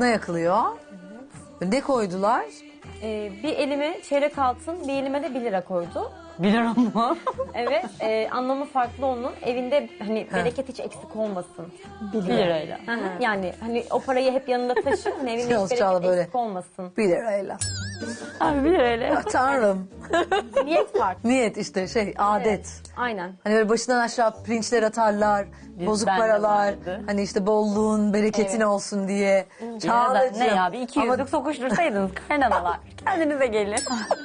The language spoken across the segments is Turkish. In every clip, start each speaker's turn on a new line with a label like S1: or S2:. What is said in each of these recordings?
S1: Kına yakılıyor. Ne koydular?
S2: Bir elime çeyrek altın, bir elime de 1 lira koydu.
S3: 1 lira mı?
S2: Evet, anlamı farklı onun. Evinde hani bereket hiç eksik olmasın.
S3: 1 lirayla.
S2: Hı hı. Yani hani o parayı hep yanında taşı, hani evinde
S1: Yalnız
S2: hiç
S1: Çağla
S2: bereket
S1: böyle.
S2: eksik olmasın.
S1: 1 lirayla.
S3: Abi 1 lirayla.
S1: Tanrım.
S2: Niyet farklı.
S1: Niyet işte adet.
S2: Aynen.
S1: Hani böyle başından aşağı pirinçler atarlar, bozuk
S3: ben de
S1: paralar.
S3: vardı.
S1: Hani işte bolluğun, bereketin olsun diye. Çağlacığım.
S3: Ne ya bir 200'lük sokuştursaydınız kaynanalar. Kendinize gelin.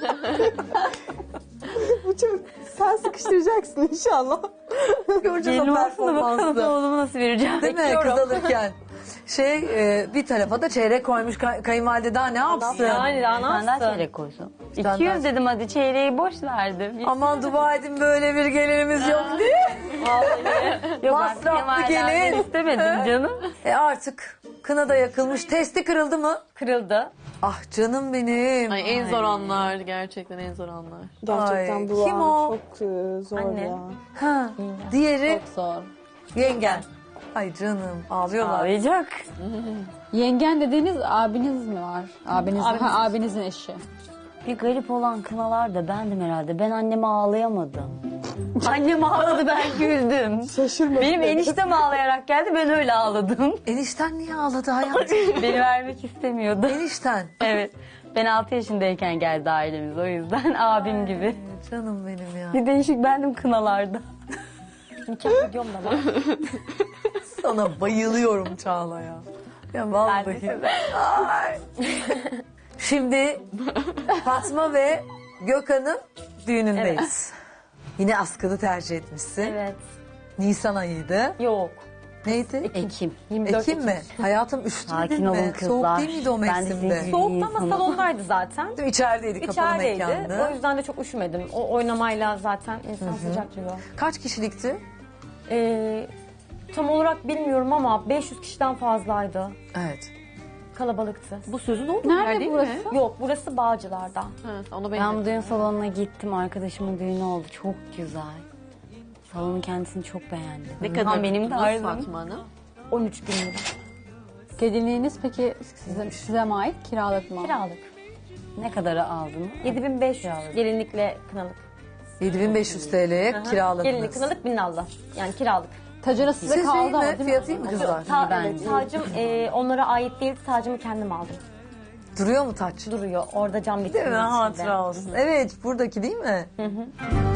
S4: Bu çok... Sen sıkıştıracaksın inşallah.
S1: Göreceğiz
S3: Gelin
S1: o
S3: olsun da bakalım
S1: performansı.
S3: oğlumu nasıl vereceğim.
S1: Değil mi
S3: Bekliyorum.
S1: kız alırken? Bir tarafa da çeyrek koymuş kayınvalide daha ne yapsın?
S2: Yani daha ne
S3: Sen daha
S2: yapsın?
S3: çeyrek koysun.
S1: tane
S3: 200
S1: daha-
S3: dedim hadi çeyreği boş verdim.
S1: Aman dua edin böyle bir gelinimiz yok diye.
S3: Yok
S1: masraflı
S3: ben Kemal'den
S1: gelin.
S3: istemedim canım.
S1: Artık kına da yakılmış. Testi kırıldı mı?
S2: Kırıldı.
S1: Ah canım benim.
S5: Ay en zor anlar, gerçekten en zor anlar.
S4: Gerçekten
S1: Ay,
S4: bu
S1: kim
S4: an
S1: o?
S4: çok zor
S2: Anne.
S4: ya.
S1: Ha, diğeri
S3: Çok zor.
S1: yengen. Ay canım ağlıyorlar.
S3: Ağlayacak.
S6: Yengen dediğiniz abiniz mi var? Abinizin eşi.
S3: Bir garip olan kınalar da bendim herhalde. Ben anneme ağlayamadım. Annem ağladı ben güldüm.
S4: Şaşırmadım.
S3: Benim eniştem ağlayarak geldi ben öyle ağladım.
S1: Enişten niye ağladı hayatım?
S3: Beni vermek istemiyordu.
S1: Enişten.
S3: Evet. Ben 6 yaşındayken geldi ailemiz o yüzden abim gibi.
S1: Canım benim ya.
S3: Bir değişik bendim kınalarda.
S2: Nikah videom da var.
S1: Sana bayılıyorum Çağla ya. Ya vallahi. Ay. Şimdi Fatma ve Gökhan'ın düğünündeyiz. Yine askılı tercih etmişsin.
S2: Evet.
S1: Nisan ayıydı.
S2: Yok.
S1: Neydi?
S3: Ekim.
S2: 24
S1: Ekim mi? Hayatım üşütmedin
S3: Sakin
S1: mi?
S3: olun
S1: Soğuk
S3: kızlar.
S1: değil miydi o
S3: Ben de
S1: mevsimde?
S3: sizin-
S2: Soğuktu ama
S3: İnsanım.
S2: salondaydı zaten.
S1: Değil mi? İçerideydi, kapalı
S2: İçerideydi.
S1: mekandı.
S2: O yüzden de çok üşümedim. O oynamayla zaten insan sıcaklıyor.
S1: Kaç kişilikti?
S2: Tam olarak bilmiyorum ama 500 kişiden fazlaydı.
S1: Evet.
S2: Kalabalıktı.
S5: Bu sözün olduğu yer
S6: Nerede
S5: değil
S6: burası?
S5: mi?
S2: Yok, burası Bağcılar'da.
S5: Ha, ona
S3: Ben
S5: benziyor.
S3: bu düğün salonuna gittim. Arkadaşımın düğünü oldu. Çok güzel. Salonun kendisini çok beğendim.
S5: Ne kadar
S3: Tam benim de
S5: tuttunuz
S3: arzum.
S5: Fatma Hanım?
S2: 13 gün lira.
S6: Gelinliğiniz peki size mi ait? Kiralık mı?
S2: Kiralık.
S3: Ne kadara aldın?
S2: 7500 gelinlikle kınalık.
S1: 7500 TL'ye kiraladınız.
S2: Gelinlik kınalık 1000 Allah. Yani kiralık.
S6: Tacına size
S1: Siz
S6: kaldı
S1: değil
S6: ama
S1: mi?
S6: değil mi?
S1: Fiyatı iyi mi kızlar?
S3: bence.
S2: Tacım onlara ait değil. Tacımı kendim aldım.
S1: Duruyor mu taç?
S2: Duruyor. Orada cam
S1: Değil
S2: vitrinin
S1: mi?
S2: içinde.
S1: Hatıra olsun. Evet, buradaki değil mi?